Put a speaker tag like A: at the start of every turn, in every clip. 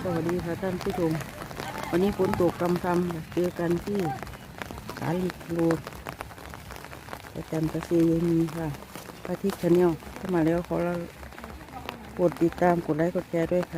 A: สวัสดีค่ะท่านผู้ชมวันนี้ฝนตกกำกำเจอกันที่สาลิกโรดประจันตะเซยมีค่ะพระทิศชาแนลเข้ามาแล้วขอเรากดติดตามกดไลค์กดแชร์ด้วยค่ะ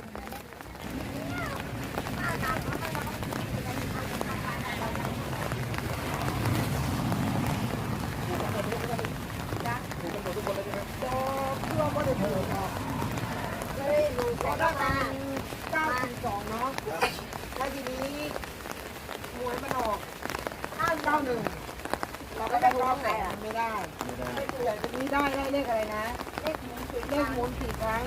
B: ก็ได้มา9.2เนาะแล้วทีนี้มวยมันออก991เราก็ได้ร้องไหนอ่ะไม่ได้แต่ทีนี้ได้เลขอะไรนะเลขหมุน4 ครั้ง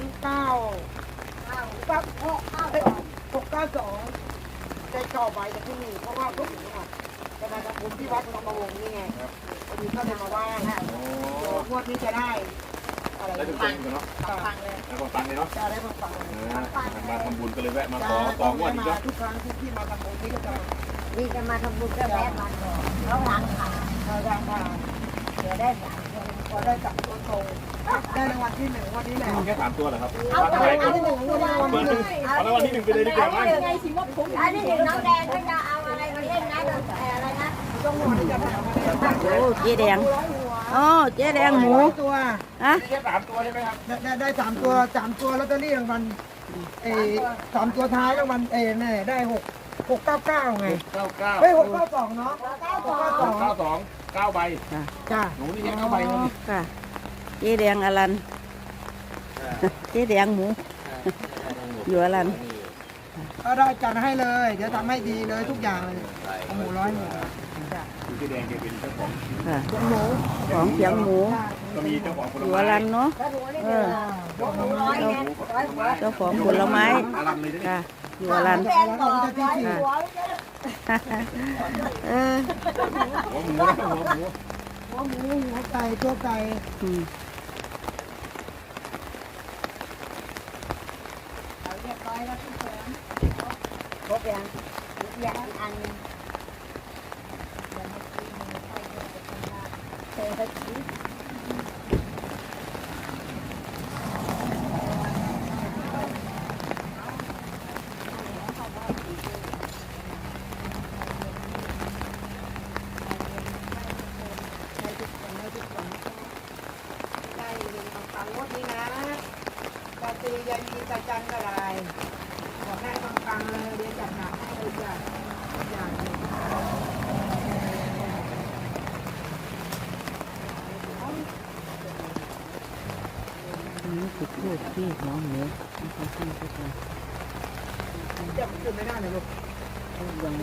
B: 692ได้ต่อไปจากที่นี่เพราะว่าพวกหนูอ่ะจะมาทำบุญที่วัดธรรมวงศ์นี่ไงพอดีก็เลยมาว่างงวดนี้จะได้ได้ถึงกันเนาะฟังเลยแล้วก็ฟังเลยเนาะได้ฟังมาทำบุญก็เลยแวะมาขอวันนี้ทุกครั้งที่มาทำบุญนี่ก็จะมาทำบุญก็แวะมาก่อนแล้วล้างขาเดี๋ยวได้พอได้จับตัวโตได้รางวัลที่1วันนี้แหละแค่3 ตัวเหรอครับเอารางวัลที่1เอารางวัลที่1ไปเลยดีกว่าไหมไงสิว่าผมอันนี้น้องแดงก็จะเอาอะไรมาเล่นนะอะไรนะจงหัวจะ
A: โอ้เจ๊แดงอ๋อเจ๊แดงหมู
B: ตัว
A: ฮะ
B: แค่3 ตัวใช่ไหมครับได้3 ตัวลอตเตอรี่รางวัล3 ตัวท้ายรางวัลเนี่ยได้699ไง99เฮ้ย692เนาะ692 9 ใบจ้าหนูนี่แค่9 ใบ
A: ค่ะเจ๊แดงอลันเจ๊แดงหมูอยู่อลัน
B: ก็ได้จัดให้เลยเดี๋ยวทำให้ดีเลยทุกอย่างเลยหมู100 หมูเจ๊แดงแกเป็นเจ้าของ
A: ของเขียงหมู
B: ก็มีเจ้าของผล
A: อยู่อ
B: ไม้
A: ลันเนาะเจ้าของผลไม้ค่ะอยู่อลันค่ะ
B: หัวไก่ตัวไก่เรียบร้อยแล้วพี่เสริมครบยังอันตียันมีตาจันอะไรบอกได้ฟังเลยเรียนจัดหนักให้เลยจ้ะอย่าง
A: นี้จุดทูบที่หัวหมูนะคะท่านผู้ชม
B: จะจุดไม่ได้เลยลูก
A: ยัง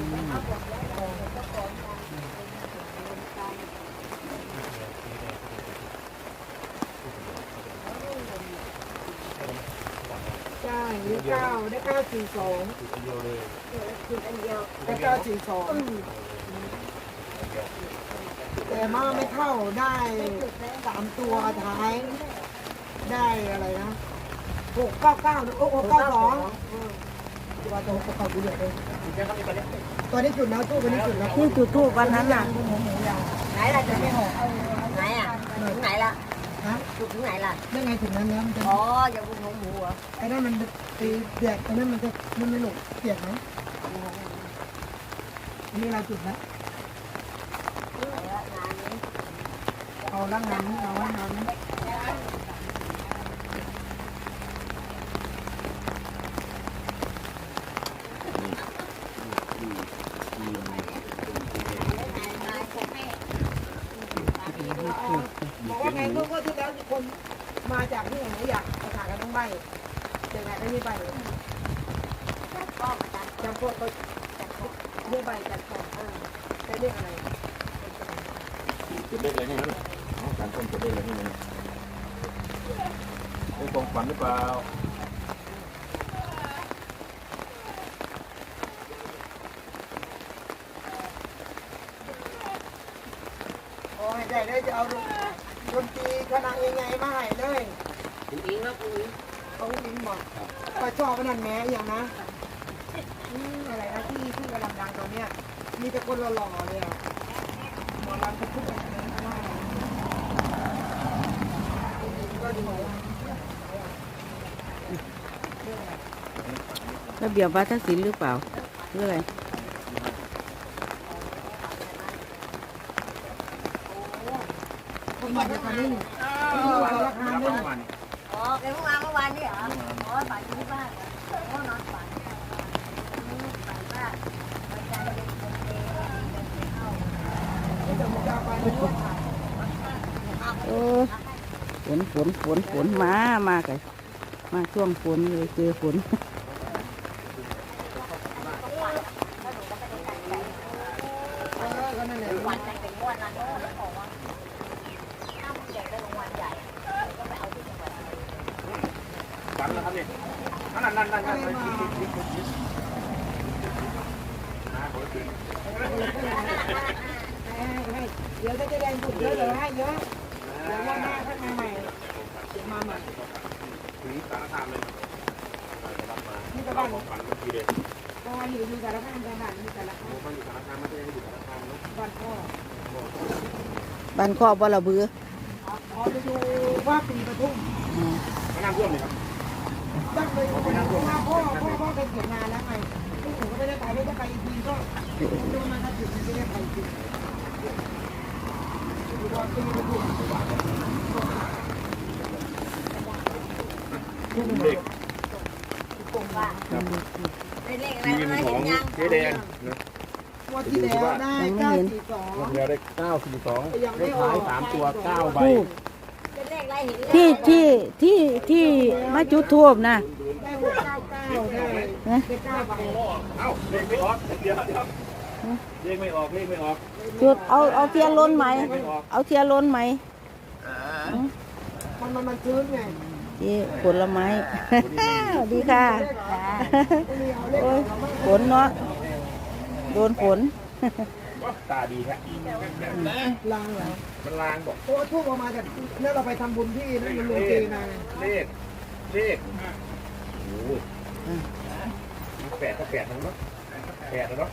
B: ได้9ได้942ได้942แต่มาไม่เข้าได้3 ตัวท้ายได้อะไรนะ699โอ้692ตัว699ดูเลยตัวนี้จุดแล้วตู้ตัวนี้จุดแล้ว
A: ที่จุดทูบวันนั้นน่ะ
B: ไหนล่ะจะไม่หก
C: ไหนอ่ะถึงไหนล่ะ
B: ฮะ
C: จุดถึงไหนล่ะ
B: ได้ไงถึงนั้นแล้วมันจะ
C: อ๋ออย่าบุญของหมูเหรอ
B: ไอ้นั่นมันตีเปียกไอ้นั่นมันจะมันไม่หนุกเปียกไหมนี่เราจุดแล้วเอาละงานนี้เอาละงานนี้บอกว่าไงเมื่อที่แล้วคนมาจากที่ไหนอยากประกาศกันต้องใบยังไงก็นี่ใบจำพวกเขาเรียกใบจัดของจะเรียกอะไร
D: จุดเล็กอะไรนี่นะการต้นจุดเล็กอะไรนี่นะเป็นของฝันหรือเปล่า
B: โอ้ยได้จะเอาดนตรีคณะยังไงมาให้เลย
C: คุณอิงนะคุณอิง
B: เขาอิงบอกก็ชอบนั่นแม้อย่างนะอะไรนะที่กำลังดังตอนเนี้ยมีแต่คนหล่อๆเลยอ่ะหมอลำทุกคนก็ดี
A: ระเบียบวัฒนศิลป์หรือเปล่าหรืออะไร
B: คนมาจากนี้ราคาด้วย
C: อ๋อแกเพิ่งมาเมื่อวานนี่เหรออ๋อฝันอยู่ที่บ้านโอ้นอนฝันฝันว่าวันจันทร์เป็นคนเดินเข้า
A: ฝนมากันมาช่วงฝนเลยเจอฝน
C: วันจันทร์เป็นงวดนั้นแล้วบอกว่าถ้ามึงอยากได้รางวัลใหญ่ก็ไปเอาที่จังหวัด
D: ฝันแล้วครับเนี่ยนั่น
B: เดี๋ยวจะแดงสุดเยอะเลยให้เยอะเดี๋ยวว่าหน้าข้างในใหม่มาใหม่
D: ถึงสารคามเลยรับมา
B: ที่ตะ
D: เรา
B: วัน
D: ของฝันเมื่อกี้เลย
B: ก็อยู่สารคามจังหวัดมีสารคาม
D: มันอยู่สารคามมันจะยังอยู่สารคามเนาะ
B: บ้านพ่อ
A: บ้านครอบบ่ละเบือ
B: ขอไปดูว่าปีปทุม
D: ก็น้ำท่วมเลยครับ
B: ตั้งเลยว่าพ่อเคยเขียนงานแล้วไงลูกหนูก็ไม่ได้ไปไม่ได้ไปอีกทีก็ดูมันถ้าถึงไม่ได้ไปจริงดูว่าปีปทุม
D: เด็ก
C: ผมว่าเป็นเลขอะไร
D: ทีม
C: นะ
D: ข
C: เห็
D: อน ง
C: ยัง
D: เจ๊แดงนะ
B: วันที่แล้วได้942
D: วันเดียวได้942ได้ขาย3ตัว9ใบ
A: ทูบ
C: เป็นเลขอะไรเห็น
A: ที่มาจุดทูบนะ
B: ได้699ได้9ใบ
D: เอ้าเลขไม่ออกเดี๋ยวเลขไม่ออก
A: จุดเอาเทียนล้นไหมเอาเทียนล้นไหม
B: มันชื้นไง
A: ที่ผลไม้ สวัสดีค่ะโอ้ยฝนเนาะโดนฝน
D: ตาดีแท้
B: ลางเหรอ
D: มันลางบอก
B: โอ้ทูบออกมาจากเนี่ยเราไปทำบุญที่นั่นมันลงเจมาไง
D: เลขโอ้ย8ก็8นะเนาะ8นะเนาะ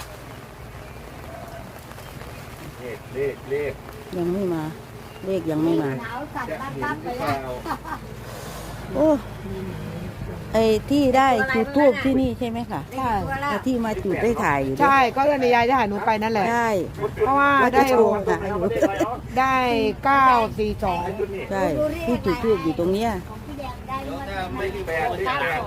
D: เลข
A: ยังไม่มา เลขยังไม่มา
C: หนาวสั่น
D: จะ
C: ปั๊บ
D: เห็
C: ปั๊
D: น
C: บ
D: ห
C: ไป
D: รือเป
C: แล้ว
D: ล่า
A: โอ้ไอ้ที่ได้จุดทูบที่นี่ใช่ไหมคะ
C: ใช่
A: ไอ้ที่มาจุดได้ถ่ายอยู่ด้วย
B: ใช่ก็เลยยายได้หาหนูไปนั่นแหละ
A: ใช่
B: เพราะว่า
A: ว่าจะ
B: ได้
A: โชว์ถ่ายอยู่
B: ได้942
A: ใช่ที่จุดทูบอยู่ตรงเนี้ย
C: ของพี่แดงได้เมื่อ
D: ไม่แปดเลขแปด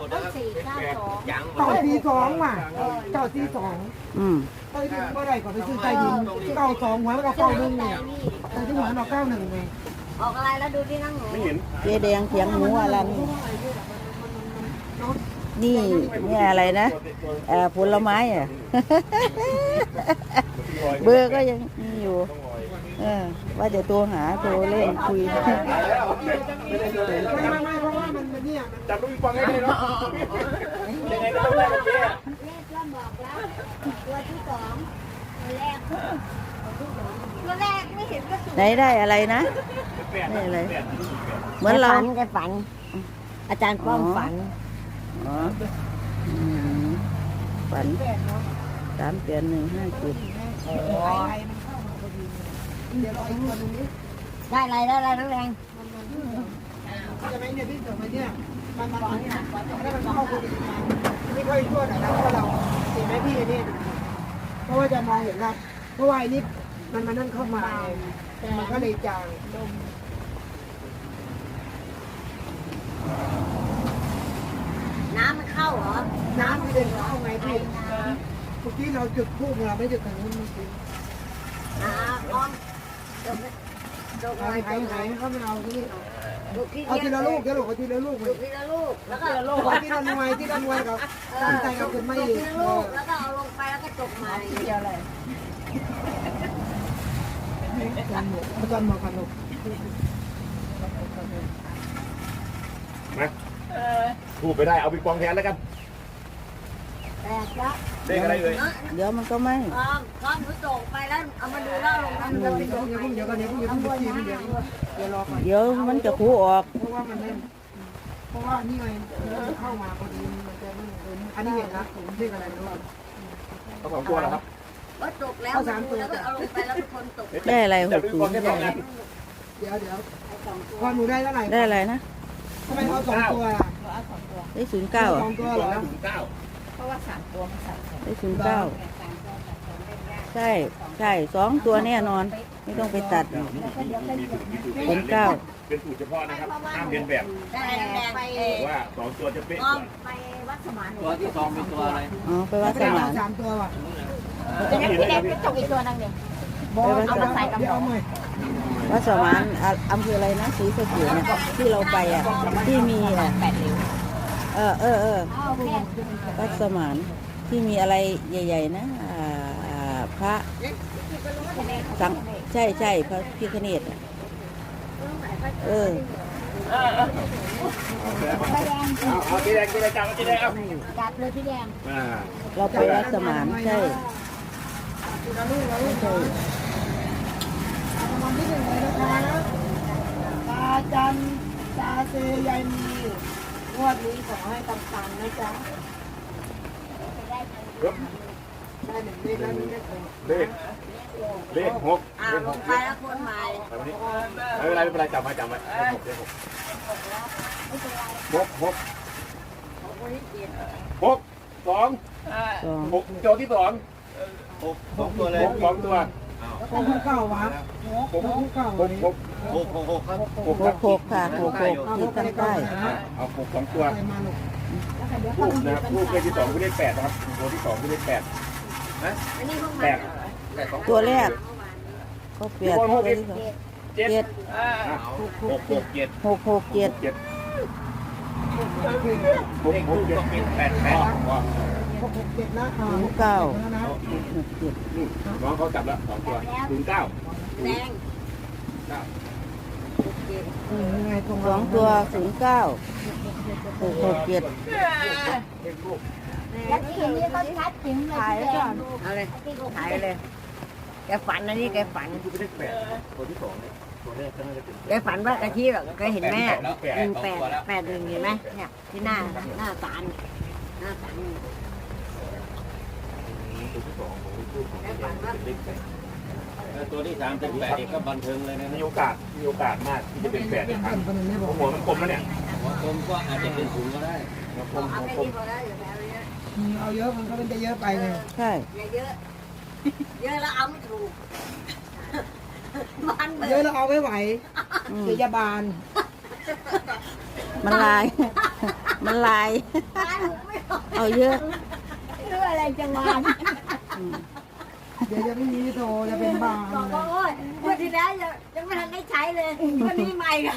C: 492
B: 942ว่ะ942
A: อืม
B: ใต้ดินเมื่อไหร่ก็ไปซื้อใต้ดิน92หัวมันก็91ไงแต่ที่หัวเรา91ไง
C: ออกอะไรแล้วดูที่นั่งหนู
D: ไม่เห็น
A: เจ๊แดงเขียงหมูอะไรนี่นี่อะไรนะผลไม้อ่ะ เบอร์ก็ยังมีอยู่ว่าจะโทรหาโทรเล่นคุย
B: ไม่เพราะว่ามันเนี่ย
D: จับลูกฟังให้ได้เนาะยังไงก็ต้องได้เจ๊
C: เลขก็บอกแล้วตัวที่2ตัวแรกไม่เห็นก็สุด
A: ไหนได้อะไรนะได้อะไร เหมือนเรา
C: แกฝัน อาจารย์ป้อมฝัน
A: อ๋อฝัน38157
C: ได้อะไรได้อะไรทั้งแรง
B: จะไม่เนี่ยพี่เกิดมาเนี่ยมันมาเนี่ยแล้วมันเข้าคนอื่นไม่ค่อยชั่วหน่อยนะเพราะเราเห็นไหมพี่นี่เพราะว่าจะมองเห็นนะเพราะว่าไอ้นี่มันมานั่นเข้ามามันก็เลยจาง
C: น้ำมันเข้าเหรอ
B: น้ำที่เดินเข้าไงพี่เมื่อกี้เราจุดทูบเราไม่จุดทางนู้นเมื่อกี้
C: ป้อมดกอะไร
B: หายเข้ามาเอาที่
C: ดกที่
B: เอาทีละลูกเดี๋ยวเอาทีละลูก
C: ดกทีละลูกแล้วก็
B: เอาทีละหน่วยที่ละหน่วยกับตั้งใจกับคุณไม่
C: ดก
B: อีก
C: ทีละลูกแล้วก็เอาลงไปแล้วก็จบมาเดียวเลย
B: อาจารย์มาขนม
D: มาถูกไปได้เอาปิงปองแทนแล้วกัน
C: แตกแล้ว
D: เลขอะไรเลย
A: เดี๋ยวมันก็ไม่
C: พร้อมหนูส่งไปแล้วเอามาดูแล้วลงน้ำ
B: เดี๋
C: เดื
B: ย
C: อ
B: ว
C: ด
B: เดี๋ยวเดี๋ยวเดี๋ยวเดี๋ยวเดี๋ยวเดี๋ยวเดี๋ยวรอก่อน
A: เดี๋ยวมันจะคูออก
B: เพราะว่ามันไม่เพราะว่านี่ไงมันเข้ามาพอดีมันจะไม่อันนี้เห็นนะเรียกอะไรรู้
D: เอา2ตัวเหรอครับ
C: ก็จบแล้วแล้วก็เอาลงไปแล้วทุกคนตก
A: ได้อะไร
D: จับปิงปองได้2อัน
B: เดี๋ยวพอหนูได้เท่าไหร่
A: ได้อะไรนะ
B: ทำไมเอา2ตัวล่ะ
A: ได้09อ่ะ
B: 2ตัวเหรอ
D: 9
C: ว่าสามตัวมันสับสน
A: ได้09ใช่2ตัวแน่นอน ไม่ต้องไปตัด
D: มีสูตร
A: เป็น9
D: เป็นสูตรเฉพาะนะครับห้ามเรียนแบบ
C: ได้แดงไป
D: ว่า2ตัวจะเป๊ะ
C: อ้
D: ก
C: อม
D: ว่า
C: ไปวัดสมาน
E: ตัวที่สองเป็นตัวอะไร
A: อ๋อไปวัดสมาน
B: สามตัวว่ะ
C: เป็นพี่แดงเป็นตกอีกตัวนึงเนี่ย เอามาใส่กับหมู
A: วัดสมานอำเภออะไรนะศรีสะเกษเนี่ยที่เราไปอ่ะที่มีอ่ะ
C: 8 นิ้ว
A: วัดสมานที่มีอะไรใหญ่ๆนะพระสังใช่พระพิฆเนศอ่ะ
D: เอาทีแรกจับเอาทีแรกเอา
C: จับเลยพี่แดง
A: เราไปวัดสมานใช่
B: วันที่หนึ่งเลยนะคะตาจันตาเซยายมีงวดนี้ขอให้ตังๆนะจ๊ะได้หนึ่งเลขแล้วนี่
D: เลข6
C: ลงไปแล้วคนใหม่
D: ไม่เป็นไรจับมาเลข6 2 6โจทย์ที่2
E: 6ตัวเลย
D: 6 2ตัว
B: ของเก่าวะของเก่า
D: 6
E: ครับ
A: 66ค่ะ66ที่ตั้งใต้
D: เอา6 2ตัว
B: ไปมาหนุก
D: ลูกนะครับลูกเลขที่2คือเลข8นะครับตัวที่2คือเลข8
C: อันนี้พวก
D: แป
C: มัน
D: ด
A: ตัวแรกก็เปลี่ยนตัวที่สอง
D: 7
A: 7
D: 6 6 7
A: 667
D: 7 6 6 7 8
B: 667นะ
A: 09
B: แล้วนะ
A: 67
D: น้องเขาจับแล้ว2ตัว09
C: แดง
B: ยังไงตรง
A: 2ตัว09 667
C: แล้วที่นี้เขาชัดจริงเลยพี่แดงเอาเลยถ่ายเลยแกฝันอันนี้แกฝัน
D: คือเลข8ตัวที่2เนี่ยตัวแรกก็น่าจะเป็น
C: แกฝันว่ากะทิแบบแกเห็นแม่18 1เห็นไหมเนี่ยที่หน้าศาลหน้าศาล
D: ตัวที่2ของลูกของเลข8
E: ตัวที่3เป็น8อีกก็บันเทิงเลยนะ
D: มีโอกาสมากที่จะเป็น8อีกครั้ง
B: คนไม่บอก
D: หัวมันกลมแล้วเนี่ย
E: หัวกลมก็อาจจะเป็น0ก็ได้
D: หัวกลม
C: เอา
D: หัว
C: แค่
D: กลม
C: นี้พอแล้วอย่าไปเอาเยอะ
B: เอาเยอะมันก็เป็นจะเยอะไปไง
A: ใช่
C: อย่าเยอะเยอะแล้วเอาไม่ถูกมันเบ
B: เย
C: อ
B: อะ
C: ร์
B: เราเอาไม่ไหว
A: อืม
B: เดี๋ยวยาบาล
A: มันลาย มันลาย
C: มันไม่ออก
A: เอาเยอะ
C: เรื่องอะไรจังวะ
A: อืม
B: เดี๋ยวจะไม่มีโทรจะเป็นบาล
C: บอกว่าโอ้ยวันที่แล้วยังไม่ทันได้ใช้เลยวันนี้ใหม่กัน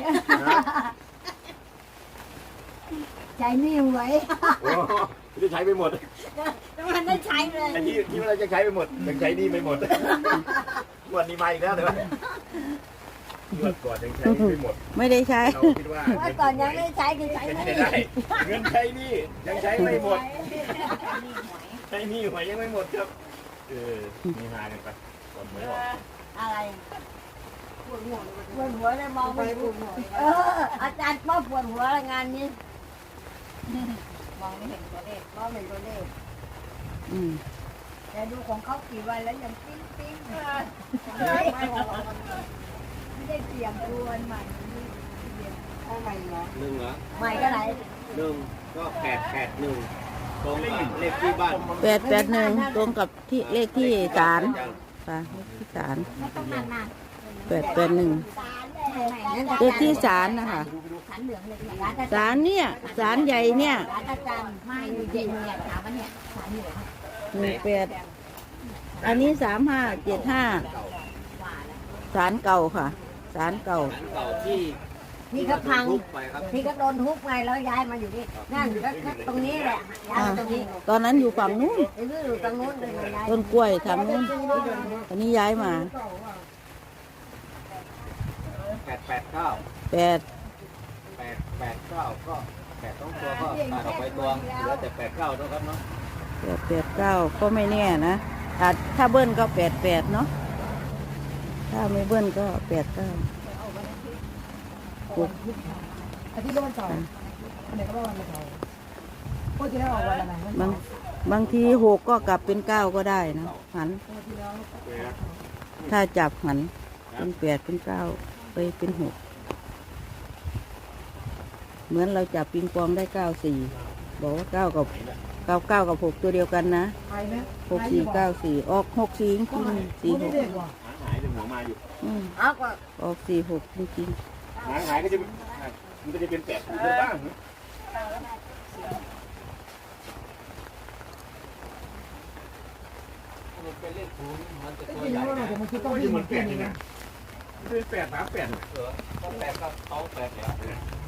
C: ใช้นี่ไว้
D: โอ้จะใช้ไปหมด
C: ยังไม่ทันได้ใช้เลย
D: ไอ้ที่เราจะใช้ไปหมดยังใช้นี่ไปหมดงวดนี้มาอีกแล้วเลยวะงวดก่อนยังใช้ไปหมด
A: ไม่ได้ใช้
D: เราคิดว่า
C: ว่าก่อนยังไม่ได้ใช้คือใช้
D: ยัง
C: ไม่
D: ใช้
C: ได้
D: ได้เงินใช้นี่ยังใช้ไม่หมดใช้นี่หวยยังไม่หมดครับมีมากันไปก่อนหวยออก
C: อะไรปวดหัวเลยมองไม่ถูกอาจารย์ป้อปวดหัวงานนี้มองไม่เห็นตัวเลขมองไม่เห็นตัวเลข
A: อืม
C: แต่ดูของเขากี่วันแล้วยังปิ้งปิ้งไม่ได้เตรียมตัวใหม่
B: เอาใหม่เหรอ
E: 1เหรอ
C: ใหม่ก็ไหน
E: 1ก็881ตรงกับเลขที่บ้าน
A: 881ตรงกับที่เลขที่ศาลค่ะเลขที่ศาล
C: ไม่ต้องนาน
A: 881เลขที่ศาลนะคะ
C: ๆสันเหลืองเลย
A: ศาลเนี่ยศาลใหญ่เนี่ย
C: ร้านอาจารย์ไม่เย็นเนี่ยถามว่าเนี่ยสันเหลือง
A: 18อันนี้3575ศาลเก่าค่ะศาลเก่า
E: ร้านเก่าที่
C: ที่เขาพัง
E: ทุบไปครับ
C: ที่เขาโดนทุบไงแล้วย้ายมาอยู่นี่นั่นก็ตรงนี้แหละย้ายมาตรงนี้
A: ตอนนั้นอยู่ฝั่งนู้น
C: ไอ้นี่อยู่ตรงนู้นเลยย้าย
A: ต้นกล้วยทางนู้นอันนี้ย้ายมา
E: 889
A: 8
E: 889ก็8ต้องตัวก็ตัดออกไปตัวเหลือแต่89นะครับเนาะ
A: 889ก็ไม่แน่นะอาจถ้าเบิ้ลก็88เนาะถ้าไม่เบิ้ลก็89
B: อาทิตย์ละวันเสาร์อันไหนก็ว่าวันเสาร์ก็จะได้ออกวันอะไร
A: บางที6ก็กลับเป็น9ก็ได้นะหันถ้าจับหันเป็น8เป็น9ไปเป็น6เหมือนเราจับปิงปองได้94บอกว่า9กับ 99กับ6ตัวเดียวกันนะ
B: ไปไหม
A: 6494ออก64จริงๆ
B: สี่หก
A: 46
B: เด็กว่ะ
D: หายถึงหัวมาอยู่
C: เอาก็
A: ออก46จริง
D: หายก็จะมันก็จะเป็นแปดเยอะบ้าง
E: มันเป็นเลขศูนย์มันจะ
B: จ
E: ตัว
B: ริง
E: ใหญ่
B: ๆว่าแต่มันคือต้อง
D: ก็
B: วิ่
D: จะ
B: ง
D: เห
B: เห
D: มื
B: มื
D: อ
B: อน น
D: แป
B: เปลี่ยน
D: ดนี่
B: นะ
D: นะเป็นแปดสามแปด
E: ต้องแปดกับต้องแปดแล้ว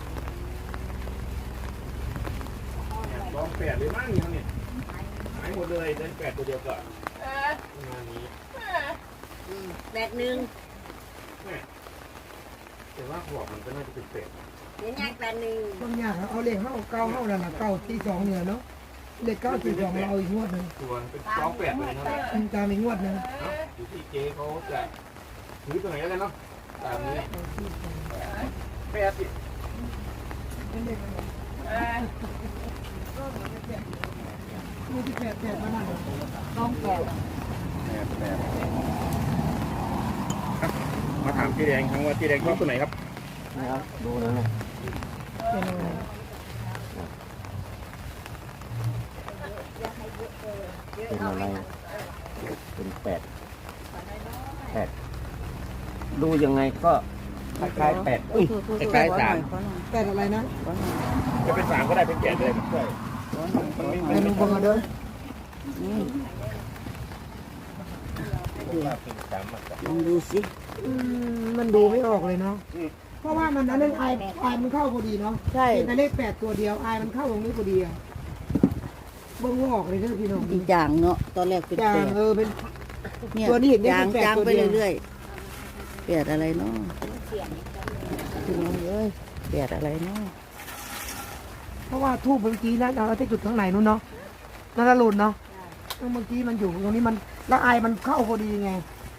D: ลองแปดเลยมั้งเนี่ยหายหมดเลยได้แปดตัวเดียวก่อนงานนี้
C: แบกหนึ่ง
D: แต่ว่าหัวมันก็น่าจะเป็นแปด
C: เดี๋ยวแยกแบกหนึ่ง
B: ต้องยากเอาเลขเข้าเก้าเข้านั่นแหละเก้าตีสองเนี่ยเนาะเลขเก้าตีสองเราเอาอีกงวดหนึ่ง
D: ตัวเป็นสองแปดเลยนะ
B: ตามอีกงวดหนึ่ง
D: อยู่ที่เจ๊เขาจะถือตัวไหนแล้วกันเนาะตามนี้แปดสิ
B: มีที่แปดมานั่นต้องแปด
D: แปดมาถามพี่แดงครั้งว่าพี่แดงชอบตัวไหนครับ
E: นะครับดูนะ
B: เป็นอะไร
E: เป็นอะไรเป็นแปดแปดดูยังไงก็คล้ายๆแปด
A: ๆ
E: อุ้ย
A: ขอ
E: คล้ายๆ
A: หน่
E: สาม
A: อยขอหน่อย
B: แปดอะไรนะ
A: ขอหน่อย
D: จะเป็นสามก็ได้เป็นแปดเลยใช่
A: ขอหน่อยขอหน่อย
B: ไอ้ลุงบังเด้อ
A: นี่
E: เป็นสาม
A: ลองดูสิ
B: มันดูไม่ออกเลยเนาะเพราะว่ามันนั้นไอมันเข้าพอดีเนาะ
A: ใช่
B: เห็นแต่เลขแปดตัวเดียวไอมันเข้าตรงนี้พอดีอ่ะเบิ่งออกเลยเด้อพี่น้อง
A: อีกอย่างเนาะตอนแรกเป็น
B: จา
A: แป
B: ง
A: ด
B: เป็น
A: เนี่ย
B: ตัวนี้เห็นได้
A: จาง
B: เป็นแปด
A: จาง
B: ตัว
A: ไป
B: เดียว
A: เรื่อยๆแปดอะไรเนาะพี่น้องเอ้ยแปดอะไรเนาะ
B: เพราะว่าทูบเมื่อกี้นะเราจะจุดข้างในนู้นเนาะนั่นละหลุดเนาะเมื่อกี้มันอยู่ตรงนี้มันแล้วไอมันเข้าพอดีไง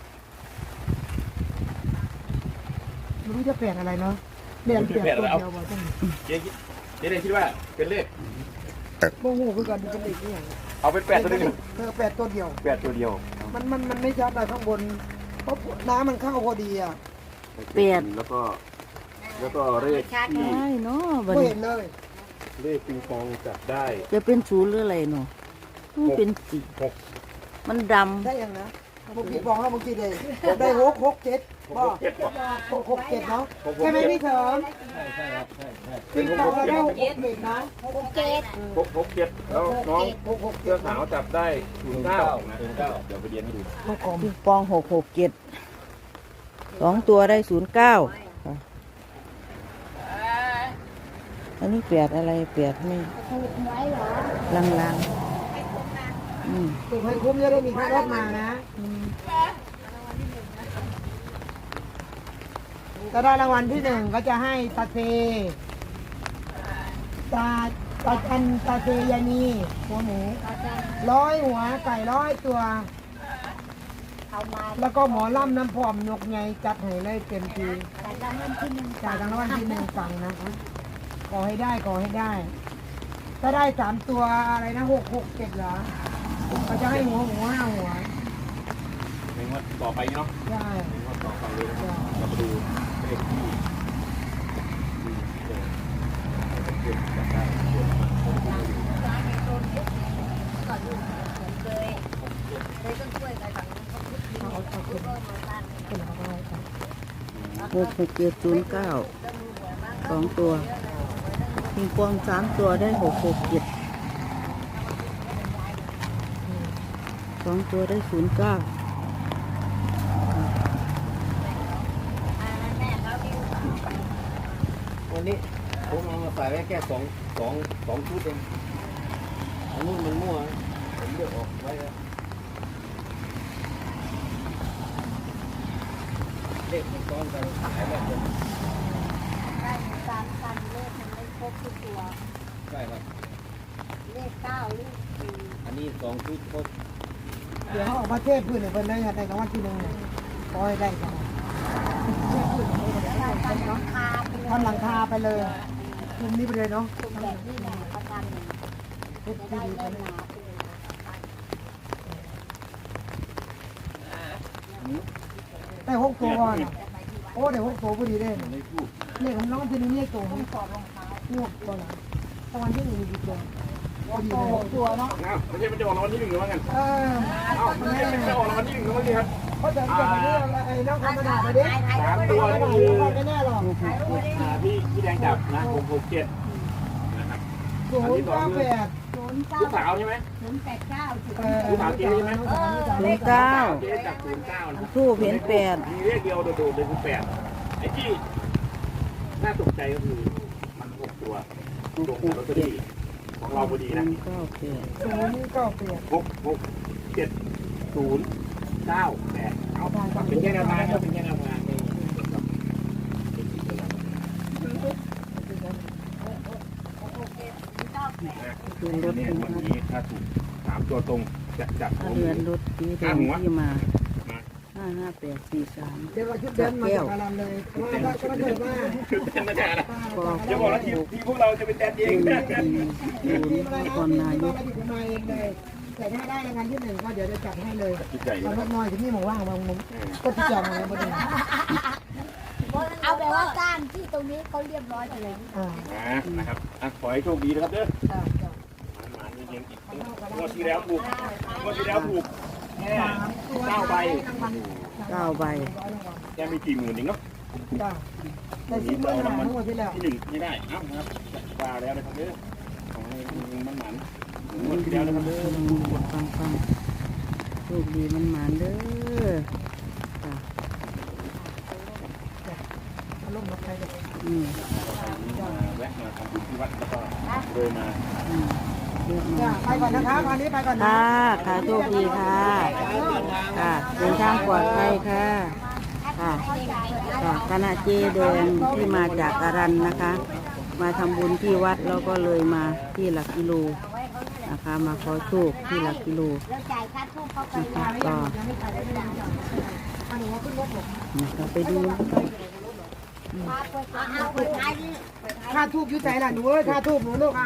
B: ไม่รู้จะแปดอะไรเนาะเนี่ยแปดตัวเดียวว่าจัง
D: เจ๊แดงคิดว่าเป็นเลข
B: โมโหคือกันเป็นเด็กนี่อย่าง
D: เอาเป็นแปดตัวหนึ่ง
B: แปดตัวเดียว
D: แปดตัวเดียว
B: มันไม่ชัดอะไรข้างบน เพราะน้ำมันเข้าพอดีอ่ะ
A: แปด
D: แล้วก็เลขที่
A: ได้เนาะบัด
B: ไม่
A: นี้
B: เห็นเลย
D: เลขปิงปองจับได้
A: จะเป็นศูนย์หรืออะไรเนาะมันเป็นสี
D: หก
A: มันด
B: ได้ยังนะผมพี่บอกแล้วเมื่อกี้เลยได้หกเจ็ดบ่
D: เจ็ดกว่า
B: หกเจ็ดเนาะใช่ไหมพี่เถิม
E: ใช่ครับใช่ใช่
B: พี่ตองเราได้หกเจ็ดนะ
D: หกเจ็ดแล้วน้อง
B: หก
D: เสื้
B: เจ็
D: อ
B: ด
D: ขาวจับได้ศูนย์เก้านะศูนย์เก้าเดี๋ยวไปเรียนให้ดู
B: มาคอม
A: ำปิงปอง6672 ตัวได้09ค่ะอันนี้แปดอะไรแปดไม่ลางๆ
B: ถูกให้คุ้มจะได้มีค่ารถมานะถ้าได้รางวัลที่หนึ่งก็จะให้ตาเซตาเซยานีหัวหมู100 หัวไก่100 ตัว แล้วก็หมอล่ำน้ำพร้อมนกไงจัดให้เลยเต็มทีจ่ายรางวัลที่หนึ่งสั่งนะขอให้ได้ขอให้ได้ ถ้าได้3 ตัวอะไรนะ667เหรอเขาจะให้หัวหมู5 หัว
D: ในงวดต่อไปเนาะ
B: ใช่
D: ในงวดต่อไปเลยนะครับเรามาดูเลขที่จับได้เดี๋ยวมา
B: เป็นของเราค่ะ
A: 66709 2 ตัวปิงปอง3 ตัวได้667 2 ตัวได้09
E: วันนี้ผมเอามาใส่ไว้แค่สองชุดเองอันนู้นมันมั่วผมเลือกออกไว้แล้วเลขมันซ้อนกันหลายแบบเลยใช่ครับ
C: เลข9เลข
E: อันนี้2 ชุดครบ
B: เดี๋ยวเขาออกมาเทศพื้นเนี่ยเป็นได้ไงในรางวัลที่หนึ่งเนี่ยขอให้ได้กันทำหลังคาไปเลยคุมนี้ไปเลยเนาะ
C: แบบนี้แหละประกัน
B: เทศ
C: ได้
B: ดีๆไป
C: เงิน
B: เลย
C: หนาไปเลย
B: ได้6 ตัวก่อนอะโอ้ได้6 ตัวพอดีเลย
E: ไม่พูด
B: เลขของน้องที่หนึ่งเลขตัวงวดก่อนรางวัลที่หนึ่งมีกี่ตัว
C: รตัวเนาะ
D: อ้าวไม่ใช่มันจะออกรางวัลที่หนึ่งหรือว่าไง
B: เออ
D: อ้าวไม่ใช่มันจะออกรางวัลที่หนึ่งหรือว่าไงครับ
B: เพราะเดินเกิดมาเนี่ยไอ้น้องคำกระดาษมาดิ
D: 3 ตัว
B: ไม่
D: ก็
B: ได้
D: คือ
B: ไม่แน่หรอก
D: พี่แดงจับนะ667นะครับ
B: 098
D: ลูกสาวใช่ไหม ลูกสาวเจ๊ใช่ไหม
A: 09
D: เจ๊จับ09นะ
A: ทูบเห็น8
D: มีเลขเดียวโดดๆเลยคือ8ไอ้ที่น่าตกใจก็คือมัน6ตัวตรงกับลอตเตอรี่ของเราพอดีนะ
B: 098
D: 66709 8เอาเป็นแค่แนวทางครับเป็นแค่แนวทางไม่
A: คือรถ
D: เนี่ยวันนี้ถ้าถูก3 ตัวตรงจะจับ
A: เรือนรถสีแดงที่มา55843
B: เดี๋ยวเราชุดเดินมาจากการันเลยว่าก็ไม่เคยว่า
D: คือเป็นนะจ๊ะนะ
A: ก็
D: อย่าบอกว่าทีพวกเราจะเป็นแดนเองนะ
B: มีอะไร
A: น
B: นะ
A: ครนายก
B: อดีตผมมาเองเลยแต่ถ้าได้รางวัลที่ 1ก็เดี๋ยวจะจัดให้เลย
D: จิตใจ
B: ตอนรถน้อยที่นี่หมอว่างบางมุมก็ที่จองมาแล้วประเด็น
C: เอาแบบว่าก้านที่ตรงนี้เขาเรียบร้อยไปเลย
D: นะครับขอให้โชคดีนะครับเด้อหมาเย็นๆอีกงวดที่แล้วถูกแค่9 ใบ
A: 9 ใบ
D: แค่ไม่กี่หมื่นเองเนาะ
B: แต่ซื้อเมื่อหาทั้งหมดที่แล้ว
D: ที่1ไม่ได้เอ้านะครับปลาแล้วนะครับเด้อขอให้มันหมันงวดที่แล้วนะครับเด้อ
A: ฟังโชคดีมันหมานเด้อค่ะ
B: ลงรถไฟเลย
D: แวะมาทำบุญที่วัดแล้วก็เลยมา
B: ไปก่อนนะคะวันนี้ไปก่อนนะ
A: ค่ะโชคดีค่ะค่ะเดินทางปลอดภัยค่ะค่ะคณะเจแดงที่มาจากอารันนะคะ มาทำบุญที่วัดแล้วก็เลยมาที่หลักกิโลนะคะมาขอโชคที่หลักกิโล
C: แล้วจ่ายค่าทูบเขาไป
A: นะคะก็นะคะไปดู
C: เอาเปิดท้ายนี่
B: ค่าทูบยุ่ใจล่ะหนูเอ้ยค่าทูบหนูลูกอ่ะ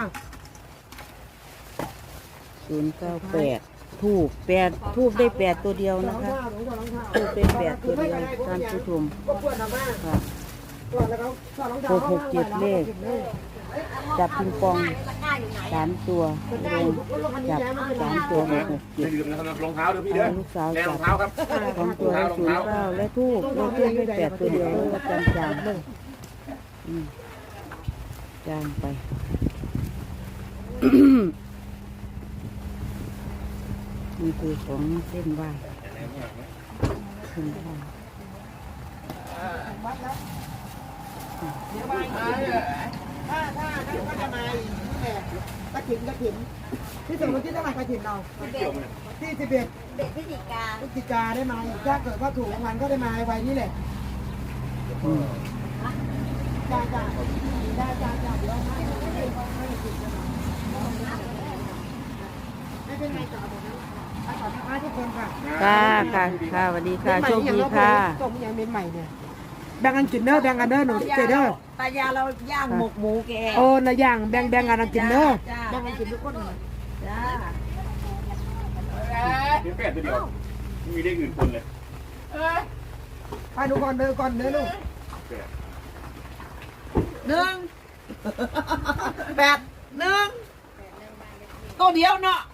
A: 098ทูบได้8ตัวเดียวนะคะทูบได้8ตัวเดียวท่านผู้ชม
B: ก็ปวดออกมา
A: ค่ะ
B: ปวดแล้วเขา
A: 667เลขจับปิงปอง3ตัวลงจับ3ตัว
D: อย่า
A: 667
D: ลืมนะครับรองเท้าเด้อพี่เด้อ
A: ลูกสาว
D: แน่ร
A: จั
D: อบ งเท้าครับ
A: 2ตัวได้09และทูบได้8ตัวเดียวแล้วก็จางๆจางไป นี่คือของเส้นไหว้เส้นไหว้
B: ถ้าก็จะมาอีกนี่แหละกระถิ่นที่ถึงวันที่เท่าไหร่กระถิ่นเราที่11
C: เด็กพิจิกา
B: พฤศจิกาได้มาอีกถ้าเกิดว่าถูกรางวัลก็ได้มาไว้นี่แหละ
A: อืม
B: จ้าเดี๋ยวไม่เป็นไรจ้าผมนะขอบคุณทุกคนค่ะ
A: ค่ะสวัสดีค่ะโชคดีค่ะ
B: ต้มยังเป็นใหม่เนี่ยแบ่งกันกินเด้อแบ่งกันเด้อหนูเจเด้อ
C: ตายาเราย่างหมกหมูแก
B: โอ้ละอย่างแบ่งกันกินเด้อแบ่งกันกินทุกคน
C: จ้า
D: เดี๋ยว8ตัวเดียวไม่มีเลขอื่นปนเลย
B: ไปดูก่อนเด้อลูก
C: ตัวเดียวเนาะ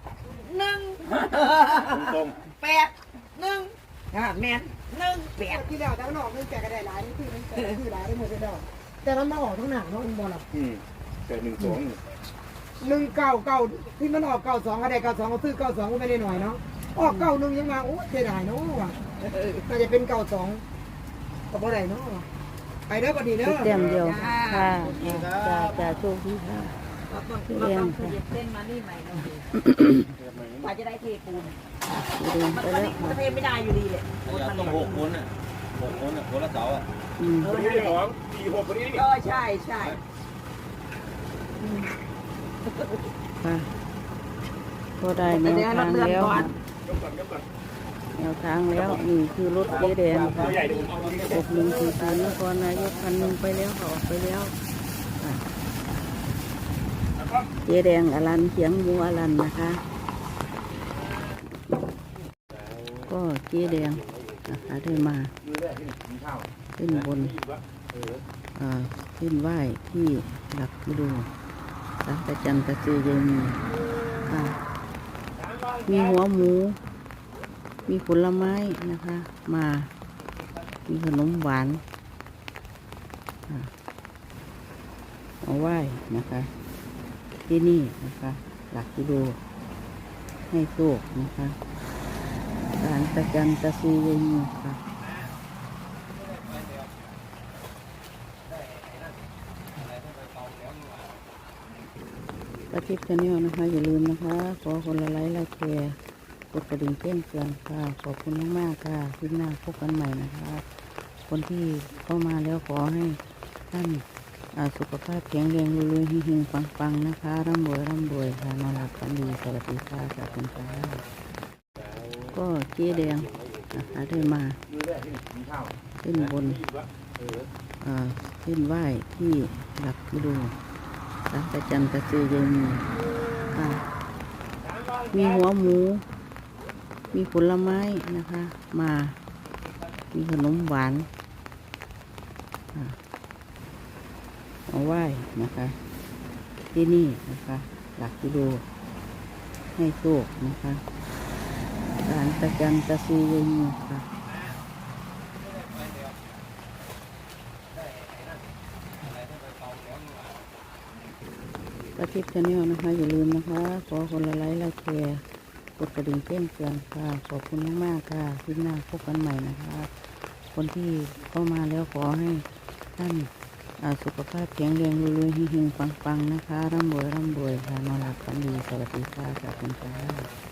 D: ตรง
C: แมน1 8
B: ที่แล้วแต่มันออกนึงแกก็ได้หลายนี่คือหลายได้หมดเลยเด้อแต่มันมาออกทั้งหนังเนาะมันบ่ล่ะ
D: แต่1 2
B: 199ที่มันออก92ก็ได้92ก็ซื้อ92ก็ไม่ได้หน่อยเนาะออก91ยังมาโอ้เสียดายเนาะว่ะน่าจะเป็น92ก็บ่ได้เนาะไปเด้อบัดนี้เด้อ
A: เต็มเดียวค่ะจะโชคดีค่ะพี่เลี้ยงค่ะ
C: เส้นมานี่ใหม่เนาะกว่าจะได้เทปูน
A: เดินไปแล้วค่ะ
C: เทไม่ได้อยู่ดีเลย
E: ต้อง6 คนอ่ะ6 คนอ่ะคนละเสาอ่ะ
D: คนนี้ได้2 4 6คนนี้นี่
C: ก็ใช่
A: ค่ะก็ได้แนวทางแล้ว
D: ยกก่อน
A: แนวทางแล้วนี่คือรถเจ๊แดง
D: ตัวใหญ่เดี๋ยวผมเอาตัวนี้
A: 6140นครนายก1,000ไปแล้วค่ะออกไปแล้วค่ะเจ๊แดงอลันเขียงหมูอลันนะคะ ก็เจ๊แดงนะคะได้มาขึ้นบนขึ้นไหว้ที่หลักกิโลสังกจันตะเจยมีค่ะมีหัวหมู มีผลไม้นะคะ มามีขนมหวานเอาไหว้นะคะ ที่นี่นะคะ หลักกิโลให้โชคนะคะศาลตะจันตะซียามีค่ะประทิปชาแนลนะคะ อย่าลืมนะคะ ขอคนละไลค์ละแชร์กดกระดิ่งแจ้งเตือนค่ะ ขอบคุณมากๆค่ะคลิปหน้าพบกันใหม่นะคะ คนที่เข้ามาแล้วขอให้ท่านสุขภาพแข็งแรงรวยๆหิ่งๆปังๆนะคะร่ำรวยค่ะนอนหลับฝันดีสวัสดีค่ะขอบคุณค่ะก็เจ๊แดงนะคะได้มาเส้นบนเส้นไหว้ที่หลักกิโลศาลตะจันตะซียามีค่ะมีหัวหมู มีผลไม้นะคะ มามีขนมหวานเอาไหว้นะคะ ที่นี่นะคะ หลักกิโลให้โชคนะคะศาลตะจันตะซียามีค่ะประทิปชาแนลนะคะ อย่าลืมนะคะ ขอคนละไลค์ละแชร์กดกระดิ่งแจ้งเตือนค่ะ ขอบคุณมากๆค่ะคลิปหน้าพบกันใหม่นะคะ คนที่เข้ามาแล้วขอให้ท่านสุขภาพแข็งแรงรวยๆหิ่งๆปังๆนะคะร่ำรวยค่ะนอนหลับฝันดีสวัสดีค่ะขอบคุณค่ะ